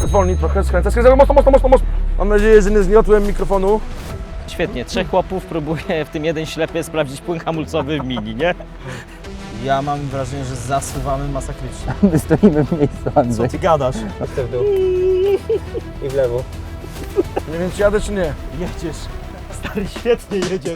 Zwolnij trochę, skręcę, mocno. Mam nadzieję, że nie zgniotłem mikrofonu. Świetnie, 3 chłopów próbuje w tym jeden ślepy sprawdzić płyn hamulcowy w Mini, nie? Ja mam wrażenie, że zasuwamy masakrycznie. My stoimy w miejscu, Andrzej. Ty gadasz? A ty w dół. I w lewo. Nie wiem, czy jadę, czy nie. Jedziesz. Stary, świetnie jedziesz.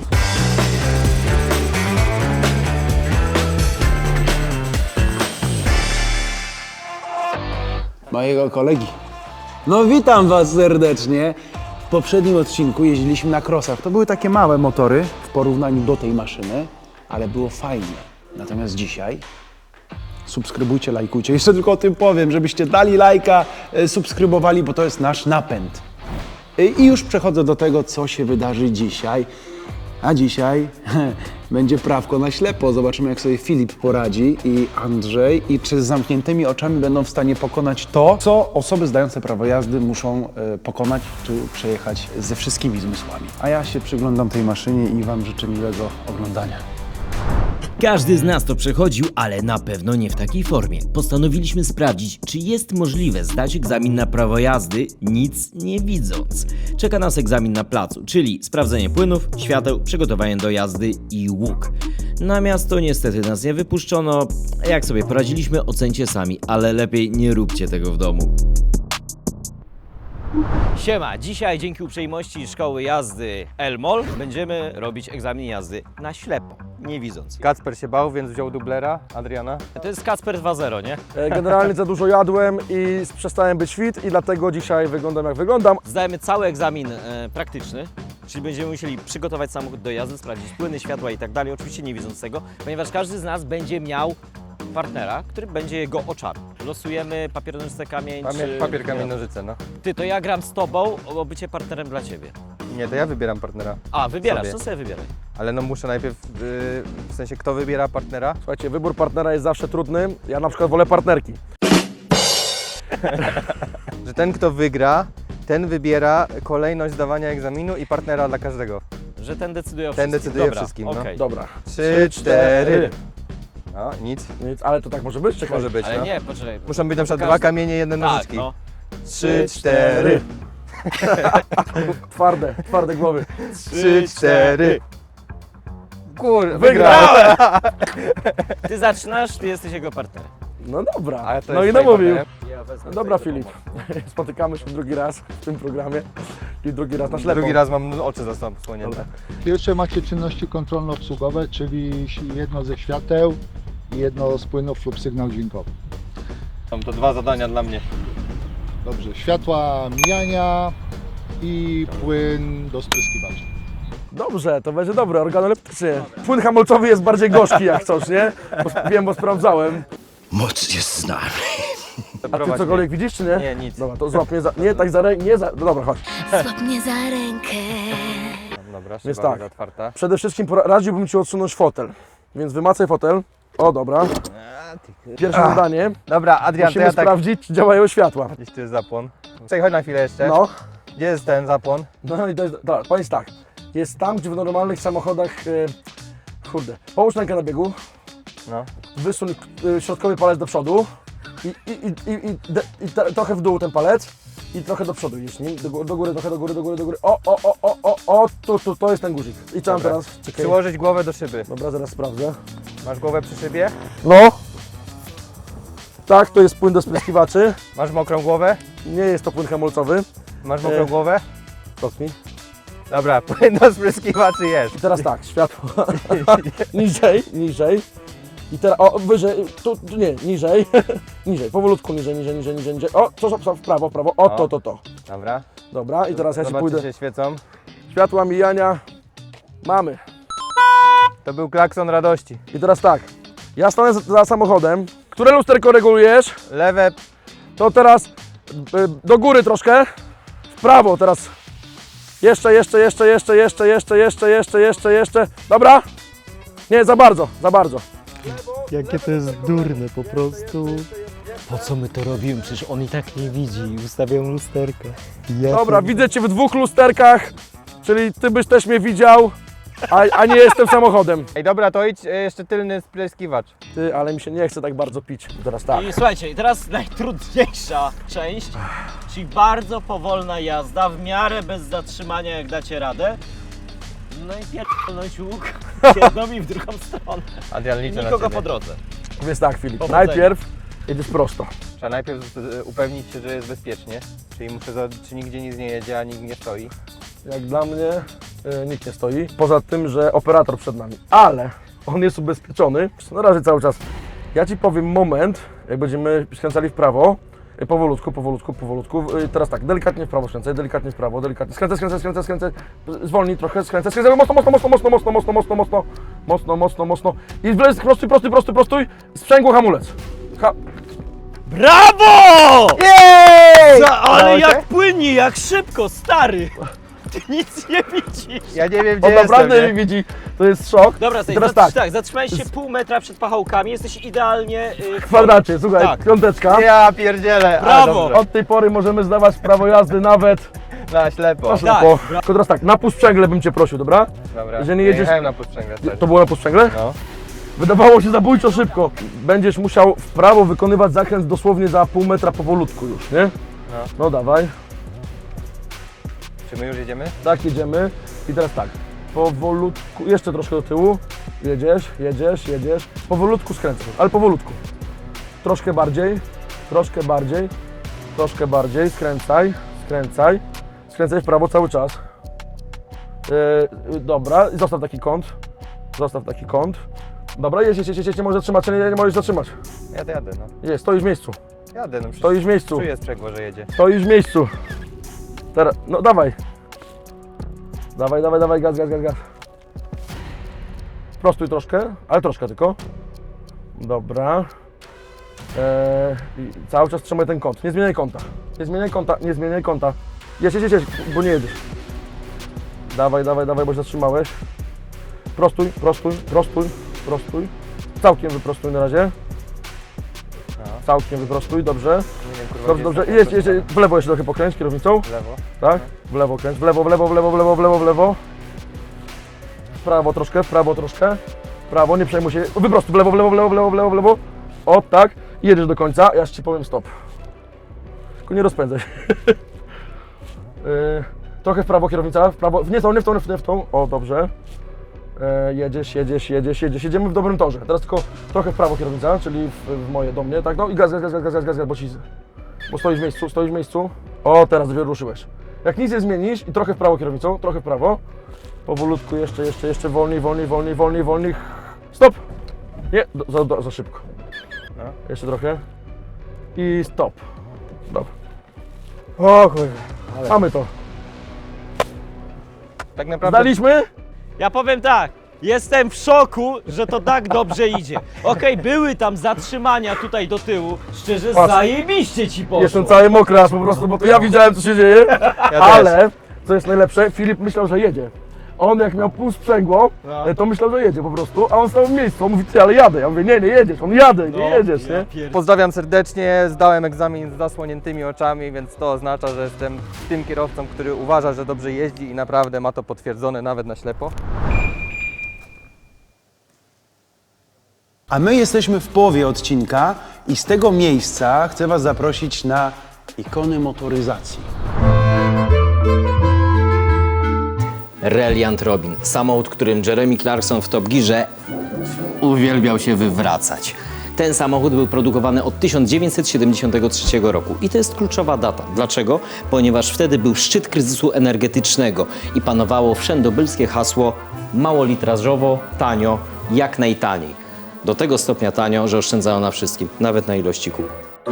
Mojego kolegi. No witam was serdecznie. W poprzednim odcinku jeździliśmy na crossach. To były takie małe motory w porównaniu do tej maszyny, ale było fajnie. Natomiast dzisiaj subskrybujcie, lajkujcie. Jeszcze tylko o tym powiem, żebyście dali lajka, subskrybowali, bo to jest nasz napęd. I już przechodzę do tego, co się wydarzy dzisiaj. A dzisiaj będzie prawko na ślepo. Zobaczymy, jak sobie Filip poradzi i Andrzej i czy z zamkniętymi oczami będą w stanie pokonać to, co osoby zdające prawo jazdy muszą pokonać czy przejechać ze wszystkimi zmysłami. A ja się przyglądam tej maszynie i wam życzę miłego oglądania. Każdy z nas to przechodził, ale na pewno nie w takiej formie. Postanowiliśmy sprawdzić, czy jest możliwe zdać egzamin na prawo jazdy, nic nie widząc. Czeka nas egzamin na placu, czyli sprawdzenie płynów, świateł, przygotowanie do jazdy i łuk. Na miasto niestety nas nie wypuszczono. Jak sobie poradziliśmy, ocencie sami, ale lepiej nie róbcie tego w domu. Siema, dzisiaj dzięki uprzejmości szkoły jazdy Elmol będziemy robić egzamin jazdy na ślepo, nie widząc. Kacper się bał, więc wziął dublera Adriana. To jest Kacper 2.0, nie? Generalnie za dużo jadłem i przestałem być fit i dlatego dzisiaj wyglądam, jak wyglądam. Zdajemy cały egzamin praktyczny, czyli będziemy musieli przygotować samochód do jazdy, sprawdzić płyny, światła i tak dalej, oczywiście nie widząc tego, ponieważ każdy z nas będzie miał partnera, który będzie jego oczarem. Losujemy papier, nożyce, kamień, czy... Papier, kamień, nożyce, no. Ty, to ja gram z tobą o bycie partnerem dla ciebie. Nie, to ja wybieram partnera. A, wybierasz, Sobie. to sobie wybieraj. Ale no muszę najpierw, w sensie kto wybiera partnera? Słuchajcie, wybór partnera jest zawsze trudny. Ja na przykład wolę partnerki. Że ten kto wygra, ten wybiera kolejność zdawania egzaminu i partnera dla każdego. Że ten decyduje o Ten wszystkim. decyduje o Dobra, wszystkim, no. okej. Dobra. 3, 4. No, nic. Nic, ale to tak może być? Czekaj. Może być, Ale no. nie, poczekaj. Muszą być na przykład Każdy- dwa kamienie, jedne Tak, nożyczki. no. 3, 4. Twarde głowy. 3, 4. Kur, Wygrałem! Ty zaczynasz, ty jesteś jego partnerem. No dobra. Ale to No i jest namówił. partnerem. No dobra, Filip. Spotykamy się drugi raz w tym programie i drugi raz na ślepo. Drugi raz mam oczy zasłonięte. Pierwsze macie czynności kontrolno-obsługowe, czyli jedno ze świateł i jedno z płynów lub sygnał dźwiękowy. Są to dwa zadania dla mnie. Dobrze, światła mijania i płyn do spryskiwacza. Dobrze, to będzie dobre, organoleptycznie. Płyn hamulcowy jest bardziej gorzki jak coś, nie? Wiem, bo sprawdzałem. Moc jest z nami. A ty cokolwiek widzisz, czy nie? Nie, nic. Dobra, to złap mnie za... Nie, tak za rękę, nie za... No dobra, chodź. Złap mnie za rękę. Dobra, Więc szyba tak. tak. Otwarta. Przede wszystkim radziłbym Ci odsunąć fotel. Więc wymacaj fotel. O, dobra. Pierwsze zadanie. Dobra, Adrian, to Musimy ja tak... sprawdzić, czy działają światła. Gdzieś tu jest zapłon. Czekaj, chodź na chwilę jeszcze. No. Gdzie jest ten zapłon? No i to jest... Dobra, powiedz tak. Jest tam, gdzie w normalnych samochodach... Kurde. Połóż rękę na biegu. No. Wysuń środkowy palec do przodu. Trochę w dół ten palec. I trochę do przodu idź nim. Do góry, trochę do góry, do góry, do góry. O, tu, to jest ten guzik. I co mam Dobra. teraz? Czekaj. Przyłożyć głowę do szyby. Dobra, zaraz sprawdzę. Masz głowę przy szybie? No. Tak, to jest płyn do spryskiwaczy. Masz mokrą głowę? Nie jest to płyn hamulcowy. Masz mokrą głowę? Dotknij. Dobra, płyn do spryskiwaczy jest. I teraz tak, światło. niżej. I teraz, wyżej, tu nie, niżej. Niżej, powolutku, niżej. O, w prawo. O, to. Dobra. Dobra, i teraz ja się Zobacz, pójdę. czy się świecą. Światła mijania mamy. To był klakson radości. I teraz tak, ja stanę za samochodem. Które lusterko regulujesz? Lewe, To teraz do góry troszkę. W prawo teraz. Jeszcze. Dobra? Nie, za bardzo. Jakie to jest durne po prostu. Po co my to robimy? Przecież on i tak nie widzi. Ustawiają lusterka. Dobra, widzę Cię w dwóch lusterkach, czyli Ty byś też mnie widział. a nie jestem samochodem. Ej, dobra, to idź jeszcze tylny spryskiwacz. Ty, ale mi się nie chce tak bardzo pić. Teraz tak. I słuchajcie, i teraz najtrudniejsza część, czyli bardzo powolna jazda, w miarę bez zatrzymania, jak dacie radę. No i pierdolnąć łuk w jedną i w drugą stronę. Adrian, liczę na Nikogo ciebie. po drodze. Więc tak, Filip, Powodzenia. najpierw jedziesz prosto. Trzeba najpierw upewnić się, że jest bezpiecznie. Czyli muszę czy nigdzie nic nie jedzie, a nikt nie stoi. Jak dla mnie nikt nie stoi, poza tym, że operator przed nami. Ale on jest ubezpieczony. Na razie cały czas. Ja Ci powiem moment, jak będziemy skręcali w prawo. Powolutku, powolutku, powolutku. Teraz tak, delikatnie w prawo skręcaj, delikatnie w prawo, delikatnie. Skręcaj. Zwolnij trochę, skręcaj. Mocno. I wlez, prostuj. Sprzęgło hamulec. Brawo! Jej! Ale Udało jak się? płynnie, jak szybko, stary! Ty nic nie widzisz. Ja nie wiem, gdzie On naprawdę jestem, nie widzi, to jest szok. Dobra, I teraz tak, zatrzymałeś się pół metra przed pachołkami, jesteś idealnie w kwadracie, słuchaj, Tak. piąteczka. Ja pierdzielę. Brawo! dobrze. Od tej pory możemy zdawać prawo jazdy nawet Na ślepo. na ślepo. Tylko teraz tak, na półsprzęgle bym Cię prosił, dobra? Dobra. Jeżeli Ja jedziesz- jechałem na podsprzęgle też. To było na półsprzęgle? No. Wydawało się zabójczo szybko. Będziesz musiał w prawo wykonywać zakręt dosłownie za pół metra powolutku już, nie? No dawaj. Czy my już jedziemy? Tak, jedziemy. I teraz tak, powolutku, jeszcze troszkę do tyłu. Jedziesz. Powolutku skręcaj, ale powolutku. Troszkę bardziej, skręcaj. Skręcaj w prawo cały czas. Dobra, i zostaw taki kąt. Dobra, jedź, nie możesz zatrzymać, nie możesz zatrzymać. Jadę, no. Jest, stoisz w miejscu. Jadę, no przecież Stoisz w miejscu. czuję sprzęgło, że jedzie. Stoisz w miejscu. Teraz, no dawaj. Dawaj, gaz. Prostuj troszkę, ale troszkę tylko. Dobra. I cały czas trzymaj ten kąt. Nie zmieniaj kąta. Jedź, bo nie jedziesz. Dawaj, bo się zatrzymałeś. Prostuj. Całkiem wyprostuj na razie. Całkiem wyprostuj, dobrze. Nie wiem, kurwa, Dobrze. gdzie Jedź. jest W lewo jeszcze trochę pokręć kierownicą. w lewo. Tak? W lewo kręć. W lewo. W prawo troszkę. W prawo, nie przejmuj się. Wyprostuj. W lewo. O, tak. I jedziesz do końca. Ja Ci powiem stop. Tylko nie rozpędzaj się. Trochę w prawo kierownica. W prawo. Nie w tą. O, dobrze. Jedziesz. Jedziemy w dobrym torze. Teraz tylko trochę w prawo kierownica, czyli w moje do mnie, tak? No i gaz, bo stoisz w miejscu. O, teraz ruszyłeś. Jak nic nie zmienisz i trochę w prawo kierownicą, trochę w prawo. Powolutku, jeszcze wolniej. Stop! Nie, za szybko. No. Jeszcze trochę. I stop. Dobra. O kurwa, mamy to. Tak naprawdę Zdaliśmy? Ja powiem tak, jestem w szoku, że to tak dobrze idzie. Okej, były tam zatrzymania tutaj do tyłu, szczerze Patrz. zajebiście ci poszło. Jestem cały mokry aż po prostu, bo to ja widziałem co się dzieje. Ale, co jest najlepsze, Filip myślał, że jedzie. On jak miał pół sprzęgło, to myślał, że jedzie po prostu, a on stał w miejscu. On mówi, ty, ale jadę. Ja mówię, nie jedziesz. On jadę, nie jedziesz, nie? pozdrawiam serdecznie, zdałem egzamin z zasłoniętymi oczami, więc to oznacza, że jestem tym kierowcą, który uważa, że dobrze jeździ i naprawdę ma to potwierdzone nawet na ślepo. A my jesteśmy w połowie odcinka i z tego miejsca chcę Was zaprosić na ikony motoryzacji. Reliant Robin. Samochód, którym Jeremy Clarkson w Top Gearze uwielbiał się wywracać. Ten samochód był produkowany od 1973 roku i to jest kluczowa data. Dlaczego? Ponieważ wtedy był szczyt kryzysu energetycznego i panowało wszędobylskie hasło mało litrażowo, tanio, jak najtaniej. Do tego stopnia tanio, że oszczędzało na wszystkim, nawet na ilości kół.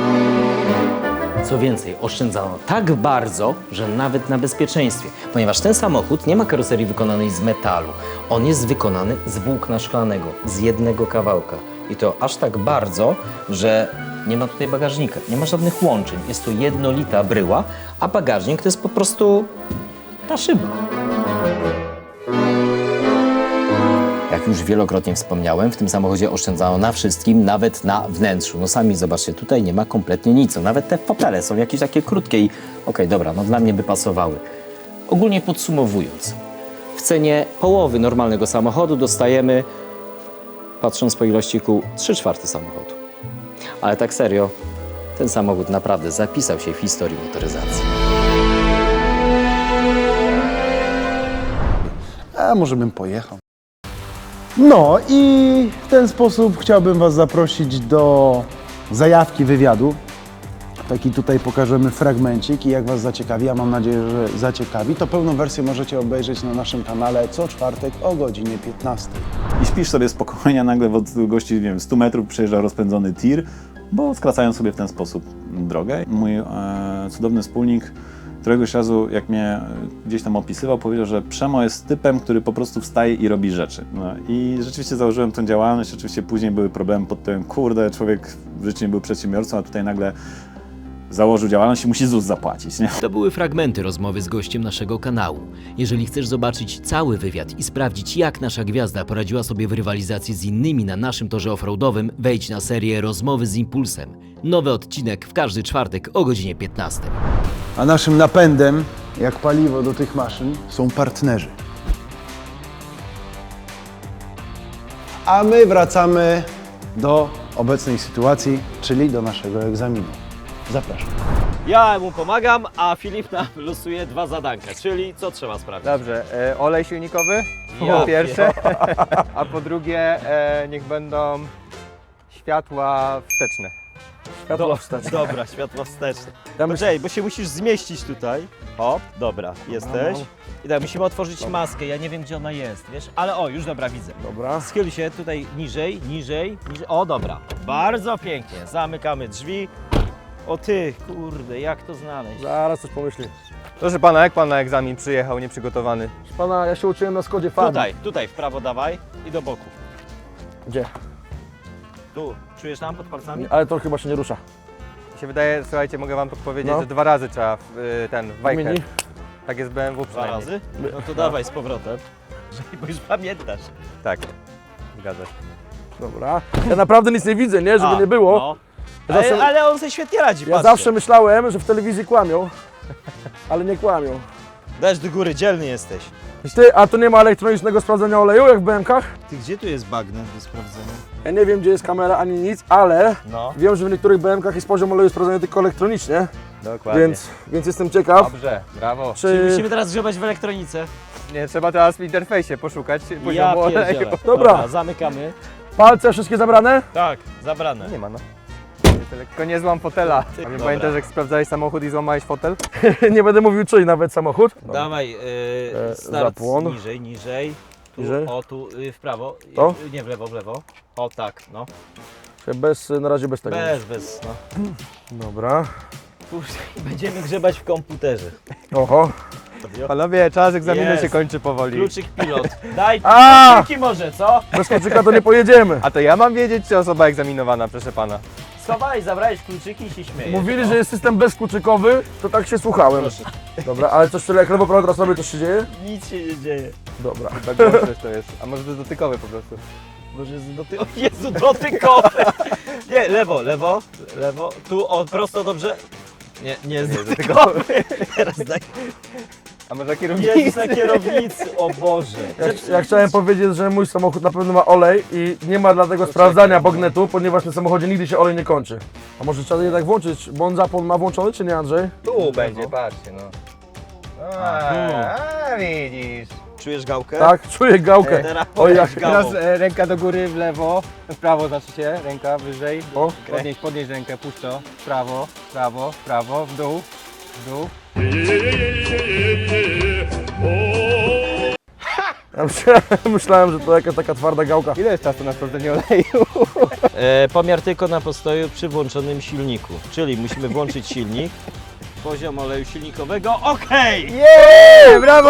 Co więcej, oszczędzano tak bardzo, że nawet na bezpieczeństwie, ponieważ ten samochód nie ma karoserii wykonanej z metalu. On jest wykonany z włókna szklanego, z jednego kawałka. I to aż tak bardzo, że nie ma tutaj bagażnika, nie ma żadnych łączeń. Jest to jednolita bryła, a bagażnik to jest po prostu ta szyba. Jak już wielokrotnie wspomniałem, w tym samochodzie oszczędzano na wszystkim, nawet na wnętrzu. No sami zobaczcie, tutaj nie ma kompletnie nic. Nawet te fotele są jakieś takie krótkie i okej, dobra, no dla mnie by pasowały. Ogólnie podsumowując, w cenie połowy normalnego samochodu dostajemy, patrząc po ilości kół, 3/4 samochodu. Ale tak serio, ten samochód naprawdę zapisał się w historii motoryzacji. A może bym pojechał. No i w ten sposób chciałbym Was zaprosić do zajawki wywiadu. Taki tutaj pokażemy fragmencik i jak Was zaciekawi, a mam nadzieję, że zaciekawi, to pełną wersję możecie obejrzeć na naszym kanale co czwartek o godzinie 15. I śpisz sobie spokojnie, a nagle w odległości, nie wiem, 100 metrów przejeżdża rozpędzony tir, bo skracają sobie w ten sposób drogę. Mój cudowny wspólnik któregoś razu, jak mnie gdzieś tam opisywał, powiedział, że Przemo jest typem, który po prostu wstaje i robi rzeczy. No, i rzeczywiście założyłem tą działalność, oczywiście później były problemy pod tym, kurde, człowiek w życiu nie był przedsiębiorcą, a tutaj nagle założył działalność i musi ZUS zapłacić, nie? To były fragmenty rozmowy z gościem naszego kanału. Jeżeli chcesz zobaczyć cały wywiad i sprawdzić, jak nasza gwiazda poradziła sobie w rywalizacji z innymi na naszym torze offroadowym, wejdź na serię Rozmowy z Impulsem. Nowy odcinek w każdy czwartek o godzinie 15. A naszym napędem, jak paliwo do tych maszyn, są partnerzy. A my wracamy do obecnej sytuacji, czyli do naszego egzaminu. Zapraszam. Ja mu pomagam, a Filip nam losuje 2 zadanka, czyli co trzeba sprawdzić? Dobrze, olej silnikowy Ja po pierwsze, a po drugie niech będą światła wsteczne. Światło wstecz. Dobra, światło wsteczne. Poczekaj, bo się musisz zmieścić tutaj. O, dobra, jesteś. I tak, musimy otworzyć maskę, ja nie wiem gdzie ona jest, wiesz? Ale o, już dobra, widzę. Dobra. Schyl się tutaj niżej, niżej, niżej. O, dobra. Bardzo pięknie. Zamykamy drzwi. O ty, kurde, jak to znaleźć? Zaraz coś pomyśli. Proszę pana, jak pan na egzamin przyjechał nieprzygotowany? Proszę pana, ja się uczyłem na Skodzie Fabii. Tutaj w prawo dawaj i do boku. Gdzie? Tu, czujesz tam pod palcami? Ale to chyba się nie rusza. Mi się wydaje, słuchajcie, mogę wam podpowiedzieć, No. że 2 razy trzeba w wajchę. Mini? Tak jest w BMW 2 przynajmniej. razy? No to dawaj z powrotem. Bo już pamiętasz. Tak, zgadza się. Dobra. Ja naprawdę nic nie widzę, nie? Żeby nie było. No. Ja zawsze- Ale on sobie świetnie radzi, Ja patrzcie. zawsze myślałem, że w telewizji kłamią, ale nie kłamią. Dajesz do góry, dzielny jesteś. Ty, a tu nie ma elektronicznego sprawdzenia oleju, jak w BM-kach? Ty, gdzie tu jest bagnet do sprawdzenia? Ja nie wiem, gdzie jest kamera ani nic, ale No. wiem, że w niektórych BM-kach jest poziom oleju sprawdzony tylko elektronicznie, Dokładnie. więc jestem ciekaw, Dobrze, brawo. Czyli czy... musimy teraz grzebać w elektronice. Nie, trzeba teraz w interfejsie poszukać Ja poziomu oleju. pierdzielę. Dobra. Zamykamy. Palce wszystkie zabrane? Tak, zabrane. Nie ma, no. Tylko nie złam fotela. A nie Dobra. pamiętasz, jak sprawdzałeś samochód i złamałeś fotel? Nie będę mówił czyj, nawet samochód. Dawaj, start zapłon. niżej, niżej. Tu, Niżej. o tu, w prawo. To? Nie, w lewo, w lewo. O tak, no. Na razie bez tego. Bez, no. Dobra. Kurde, będziemy grzebać w komputerze. Oho. Panowie, czas egzaminu Jest. się kończy powoli. Kluczyk pilot. Daj A! kluczyki może, co? Bez kluczyka to nie pojedziemy. A to ja mam wiedzieć, czy osoba egzaminowana, proszę pana. Schowałeś, zabrałeś kluczyki i się śmiejesz. Mówili, że jest system bezkluczykowy, to tak się słuchałem. Proszę. Dobra, ale coś tyle jak lewo, prawo, teraz sobie coś się dzieje? Nic się nie dzieje. Dobra. Tak głośność to jest. A może to jest dotykowy po prostu. Może jest o Jezu, dotykowe! Nie, lewo, lewo, lewo. Tu, o, prosto, dobrze. Nie jest dotykowy. Teraz daj. A może Jezus, kierownica? na kierownicy, o Boże. Ja chciałem powiedzieć, że mój samochód na pewno ma olej i nie ma dlatego sprawdzania bagnetu, ponieważ na samochodzie nigdy się olej nie kończy. A może trzeba jednak włączyć, bo on zapłon ma włączony, czy nie, Andrzej? Tu będzie, patrzcie no. A, widzisz. Czujesz gałkę? Tak, czuję gałkę. Teraz Oj, jak... Teraz ręka do góry, w lewo, w prawo znaczy się, ręka wyżej. O. Podnieś rękę, puść to. W prawo, w prawo, w prawo, w dół, w dół. Ja myślałem, że to jakaś taka twarda gałka. Ile jest czasu na sprawdzenie oleju? Pomiar tylko na postoju przy włączonym silniku. Czyli musimy włączyć silnik. Poziom oleju silnikowego, okej! Jeee, brawo!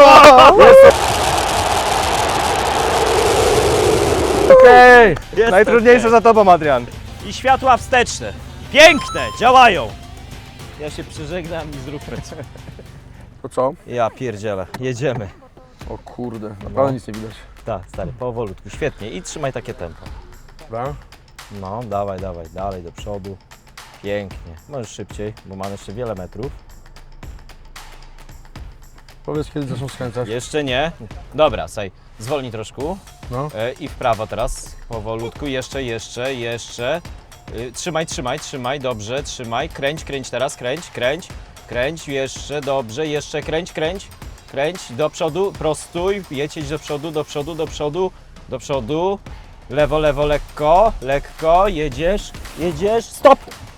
Okej! Jest Najtrudniejsze za tobą, Adrian. I światła wsteczne. Piękne, działają. Ja się przeżegnam i zróbmy coś. To co? Ja pierdzielę, jedziemy. O kurde, naprawdę nic nie widać. Tak, stary, powolutku, świetnie. I trzymaj takie tempo. Dobra. No, dawaj, dawaj, dalej do przodu. Pięknie. Możesz szybciej, bo mamy jeszcze wiele metrów. Powiedz, kiedy zaczną skręcać. Jeszcze nie. Dobra, słuchaj, zwolnij troszkę. No. I w prawo teraz, powolutku, jeszcze. Trzymaj, dobrze, trzymaj. Kręć teraz, kręć, jeszcze, dobrze, jeszcze kręć. Do przodu, prostuj, jedź do przodu. Lewo, lekko, jedziesz, stop!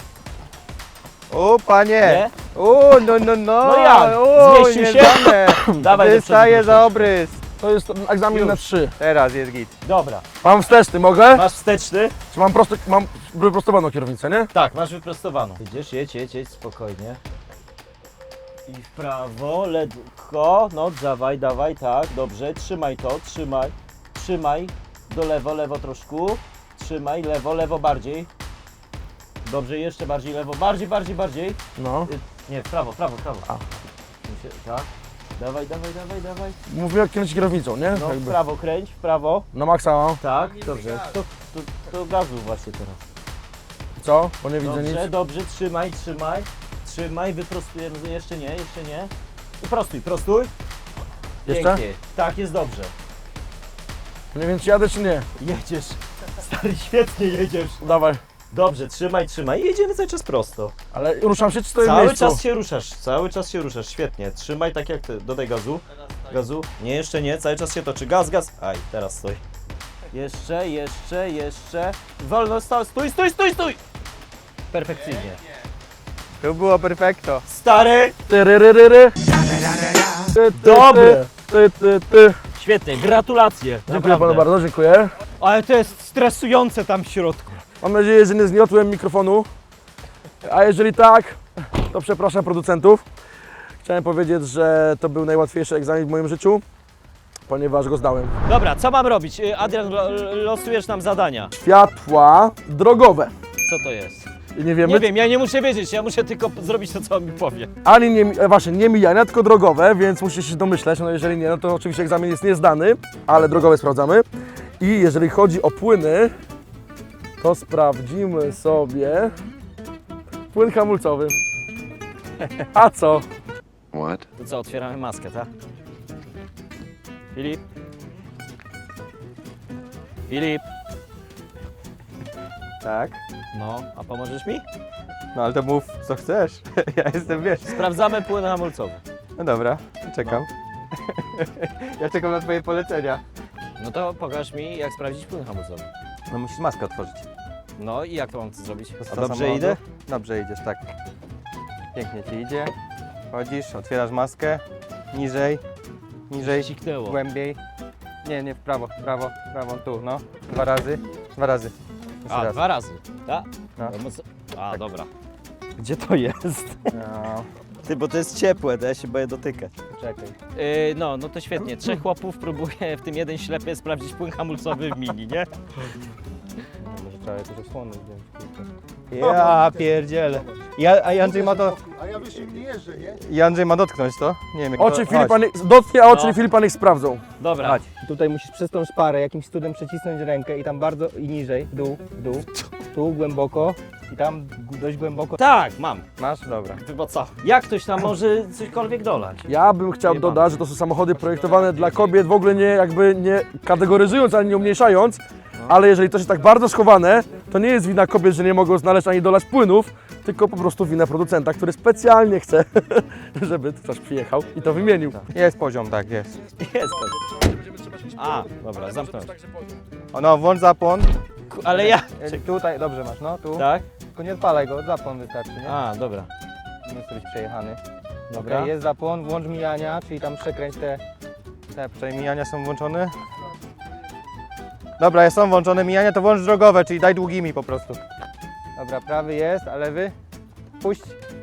O panie! Nie? O, no. No jak? O, Zmieścił nie się? dane. Dawaj do Wystaje przodu, za obrys. To jest egzamin Już. na 3. Teraz jest git. Dobra, Mam wsteczny, mogę? masz wsteczny? Czy mam wyprostowaną kierownicę, nie? Tak, masz wyprostowaną. Idziesz, jedź, spokojnie. I w prawo, lekko, no dawaj, tak, dobrze, trzymaj to, trzymaj, do lewo troszkę, trzymaj, lewo bardziej. Dobrze, jeszcze bardziej lewo, bardziej. No. Nie, w prawo. A. Tak, dawaj. Mówię jak kręcić kierownicą, nie? No w prawo kręć, w prawo. Na maksa mam. Tak, dobrze, to gazu właśnie teraz. Co? Bo nie widzę nic. Dobrze, trzymaj, wyprostujemy, jeszcze nie. Prostuj. Jeszcze? Pięknie. Tak, jest dobrze. Nie wiem, czy jadę, czy nie. Jedziesz, stary, świetnie jedziesz. Dawaj. Dobrze, trzymaj i jedziemy cały czas prosto. Ale ruszam się, czy stoję w Cały miejscu? czas się ruszasz, świetnie. Trzymaj tak jak ty, dodaj gazu. Nie, jeszcze nie, cały czas się toczy. Gaz. Aj, teraz stoi. Jeszcze. Wolno, stój! Perfekcyjnie. To było perfekto. Stary! Tyryryryry. Dobre. Ty. Świetnie, gratulacje. Dziękuję panu bardzo, dziękuję. Ale to jest stresujące tam w środku. Mam nadzieję, że nie zgniotłem mikrofonu. A jeżeli tak, to przepraszam producentów. Chciałem powiedzieć, że to był najłatwiejszy egzamin w moim życiu, ponieważ go zdałem. Dobra, co mam robić? Adrian, losujesz nam zadania. Światła drogowe. Co to jest? I nie wiemy, Nie wiem, ja nie muszę wiedzieć, ja muszę tylko zrobić to, co on mi powie. ani nie mijania, tylko drogowe, więc musisz się domyśleć. No jeżeli nie, no to oczywiście egzamin jest niezdany, ale drogowe sprawdzamy. I jeżeli chodzi o płyny, to sprawdzimy sobie płyn hamulcowy. A co? To co, otwieramy maskę, tak? Filip? Tak. No, a pomożesz mi? No ale to mów co chcesz. Ja jestem, wiesz. Sprawdzamy płyn hamulcowy. No dobra, czekam. Ja czekam na twoje polecenia. No to pokaż mi, jak sprawdzić płyn hamulcowy. No musisz maskę otworzyć. No i jak to mam zrobić? A Do dobrze samochodu. idę? Dobrze idziesz, tak. Pięknie ci idzie. Chodzisz, otwierasz maskę. Niżej, Siknęło. głębiej. Nie, w prawo, tu, no. Dwa razy. Jeszcze A, raz. 2 razy, tak? No. A, dobra. Gdzie to jest? No, Ty, bo to jest ciepłe, to ja się boję dotykać. czekaj. No to świetnie. 3 chłopów próbuje, w tym jeden ślepy, sprawdzić płyn hamulcowy w mini, nie? No, może trzeba jakieś osłony wziąć. Ja pierdzielę. A Andrzej ma to... A ja wyżej nie jeżdżę, nie? I Andrzej ma dotknąć to? Nie wiem jak Oczy to... Filipa dotknie, a oczy No. Filipa niech sprawdzą. Dobra. Chodź. Tutaj musisz przez tą szparę jakimś cudem przycisnąć rękę i tam bardzo i niżej, w dół, tu głęboko i tam dość głęboko. Tak, mam. Masz? Dobra. Ty, bo co? Jak ktoś tam może cośkolwiek dolać? Ja bym chciał Nie dodać, że to są samochody projektowane dla kobiet, w ogóle nie kategoryzując, ani nie umniejszając, ale jeżeli to jest tak bardzo schowane, to nie jest wina kobiet, że nie mogą znaleźć ani dolać płynów, tylko po prostu wina producenta, który specjalnie chce, żeby ktoś przyjechał i to wymienił. Jest poziom, tak, jest. Jest. A, dobra, zamknąć. O, no, włącz zapłon. Ale ja... Tutaj, dobrze masz, no, tu. Tak? Tylko nie odpalaj go, zapłon wystarczy, nie? A, dobra. Nie chcę być przejechany. Dobra. Okej, jest zapłon, włącz mijania, czyli tam przekręć te... Przynajmniej mijania są włączone. Dobra, są włączone mijania, to włącz drogowe, czyli daj długimi po prostu. Dobra, prawy jest, a lewy? Puść.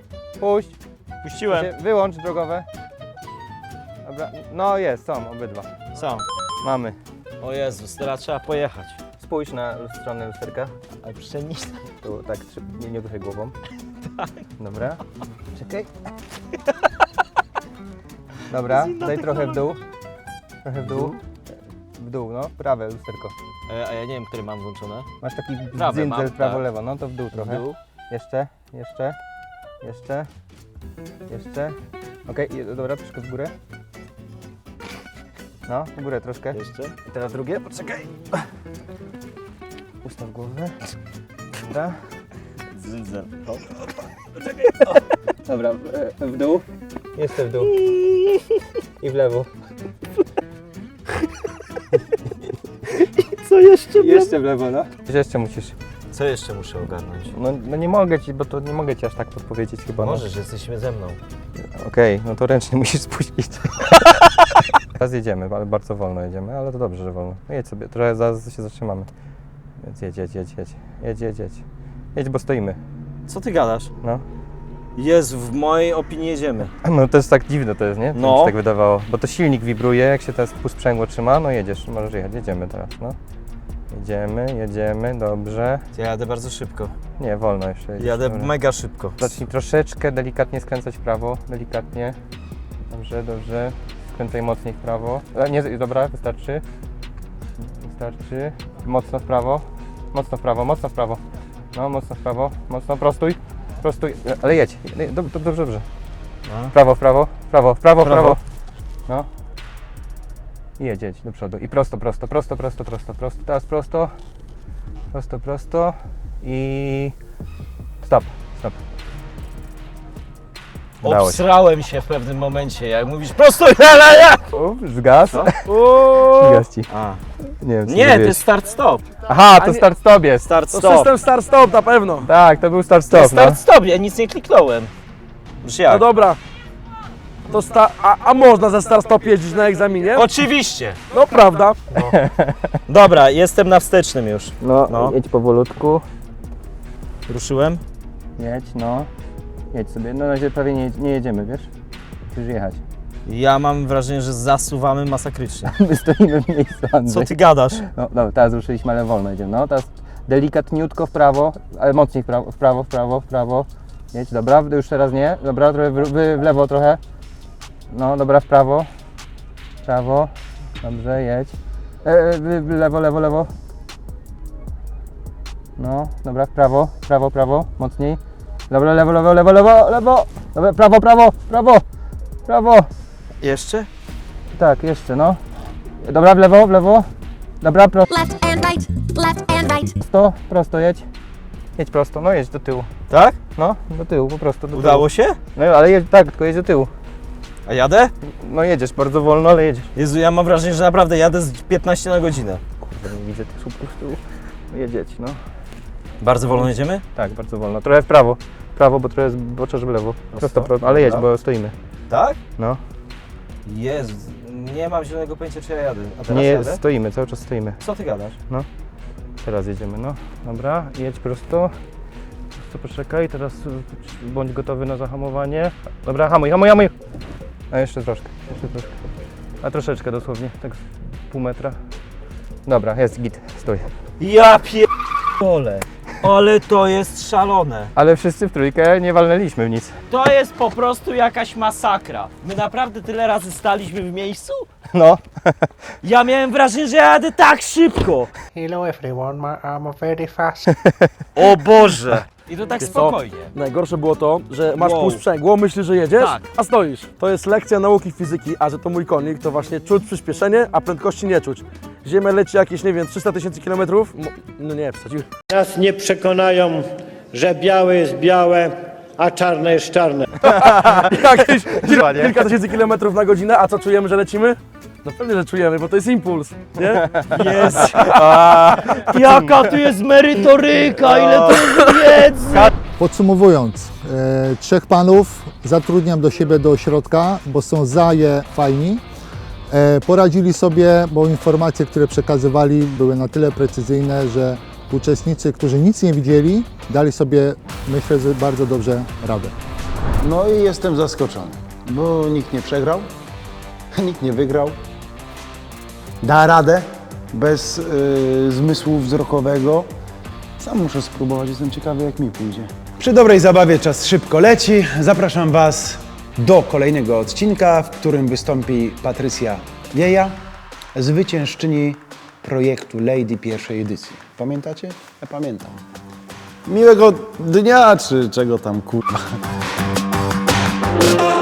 Puściłem. Wyłącz drogowe. Dobra, no jest, są obydwa. Są. Mamy. O Jezus, teraz trzeba pojechać. Spójrz na stronę lusterka. Ale przenieś... Tu tak, nie ruszaj głową. Dobra. Czekaj. Dobra, daj trochę w dół. Trochę w dół. W dół, no. Prawe lusterko. A ja nie wiem, który mam włączone. Masz taki Prawe dzyndzel mam, prawo-lewo, no to w dół trochę. W dół. Jeszcze. Okej, dobra, troszkę w górę. No, w górę troszkę. Jeszcze. I teraz drugie, poczekaj. Ustaw głowę. Dobra. Zydzel. Dobra, w dół. Jeszcze w dół. I w lewo. Co jeszcze? Jeszcze w lewo, no. Jeszcze musisz. Co jeszcze muszę ogarnąć? No nie mogę ci, bo to nie mogę ci aż tak podpowiedzieć chyba. No. Możesz, jesteśmy ze mną. Okej, no to ręcznie musisz spuścić. Teraz jedziemy, ale bardzo wolno jedziemy, ale to dobrze, że wolno. No jedź sobie, trochę zaraz się zatrzymamy. Jedź. Jedź, bo stoimy. Co ty gadasz? No. Jest, w mojej opinii jedziemy. No to jest tak dziwne to jest, nie? To No. mi się tak wydawało. Bo to silnik wibruje, jak się teraz sprzęgło trzyma, no jedziesz, możesz jechać, jedziemy teraz, no. Jedziemy, dobrze. Ja jadę bardzo szybko. Nie, wolno jeszcze. jedziesz, Jadę dobra. mega szybko. Zacznij troszeczkę delikatnie skręcać w prawo, delikatnie. Dobrze. Skręcaj mocniej w prawo. Nie, dobra, wystarczy. Mocno w prawo. No, mocno w prawo. Mocno, prostuj. Ale jedź. Dobrze. No. W prawo. No. I jedź do przodu. I prosto. Teraz prosto. I stop. Udało się. Obsrałem się w pewnym momencie, jak mówisz prosto Zgas. Zgas ci. A. Nie wiem, co Nie, to zrobiłeś. jest start-stop. Aha, to start-stop jest. To Start-stop. system start-stop na pewno. Tak, to był To start-stop, jest start-stop, ja nic nie kliknąłem. Już jak? No dobra. To a można ze start-stop jeździć na egzaminie? Oczywiście. No prawda. Dobra, jestem na wstecznym już. No, jedź powolutku. Ruszyłem? Jedź, no. Jedź sobie. No na razie prawie nie jedziemy, wiesz? Musisz jechać. Ja mam wrażenie, że zasuwamy masakrycznie. My stoimy w miejscu, Andrzej. Co ty gadasz? No dobra, teraz ruszyliśmy, ale wolno jedziemy. No, teraz delikatniutko w prawo, ale mocniej w prawo. Jedź, dobra, już teraz nie. Dobra, trochę w lewo trochę. No, dobra, w prawo. Dobrze, jedź. Lewo. No, dobra, w prawo, mocniej. Dobra, lewo. Dobra, prawo. Jeszcze? Tak, jeszcze, no. Dobra, w lewo. Dobra, Left and right. prosto jedź. Jedź prosto, no jedź do tyłu. Tak? No, do tyłu, po prostu do Udało się? tyłu. No ale jedź, tak, tylko jedź do tyłu. A jadę? No jedziesz bardzo wolno, ale jedziesz. Jezu, ja mam wrażenie, że naprawdę jadę z 15 na godzinę. Kurde, nie widzę tych słupków z tyłu. No jedź, no. Bardzo wolno jedziemy? Tak, bardzo wolno. Trochę w prawo, bo trochę zboczasz w lewo. Prosto, ale jedź, bo stoimy. Tak? No. Jezu, nie mam zielonego pojęcia, czy ja jadę. A teraz Nie, jadę? stoimy, cały czas stoimy. Co ty gadasz? Teraz jedziemy, no. Dobra, jedź prosto. Poczekaj, teraz bądź gotowy na zahamowanie. Dobra, hamuj. A jeszcze troszkę. A troszeczkę dosłownie, tak pół metra. Dobra, jest git, stój. Ja pierdolę, ale to jest szalone. Ale wszyscy w trójkę nie walnęliśmy w nic. To jest po prostu jakaś masakra. My naprawdę tyle razy staliśmy w miejscu? No. Ja miałem wrażenie, że jadę tak szybko. Hello everyone, I'm very fast. O Boże. I to tak Wiesz co? spokojnie. Najgorsze było to, że masz Wow. pół sprzęgło, myślisz, że jedziesz, Tak. a stoisz. To jest lekcja nauki fizyki, a że to mój konik, to właśnie czuć przyspieszenie, a prędkości nie czuć. Ziemia leci jakieś, nie wiem, 300 000 kilometrów. No nie, wsadził. Nas nie przekonają, że białe jest białe, a czarne jest czarne. Jakieś kilka tysięcy kilometrów na godzinę, a co czujemy, że lecimy? No pewnie, że czujemy, bo to jest impuls, nie? Jest. Jaka tu jest merytoryka, ile to jest wiedzy. Podsumowując, trzech panów zatrudniam do siebie do ośrodka, bo są fajni. Poradzili sobie, bo informacje, które przekazywali, były na tyle precyzyjne, że uczestnicy, którzy nic nie widzieli, dali sobie, myślę, że bardzo dobrze radę. No i jestem zaskoczony, bo nikt nie przegrał, nikt nie wygrał. Da radę bez zmysłu wzrokowego. Sam muszę spróbować, jestem ciekawy, jak mi pójdzie. Przy dobrej zabawie czas szybko leci. Zapraszam Was do kolejnego odcinka, w którym wystąpi Patrycja Wieja, zwyciężczyni projektu Lady pierwszej edycji. Pamiętacie? Ja pamiętam. Miłego dnia, czy czego tam kurwa.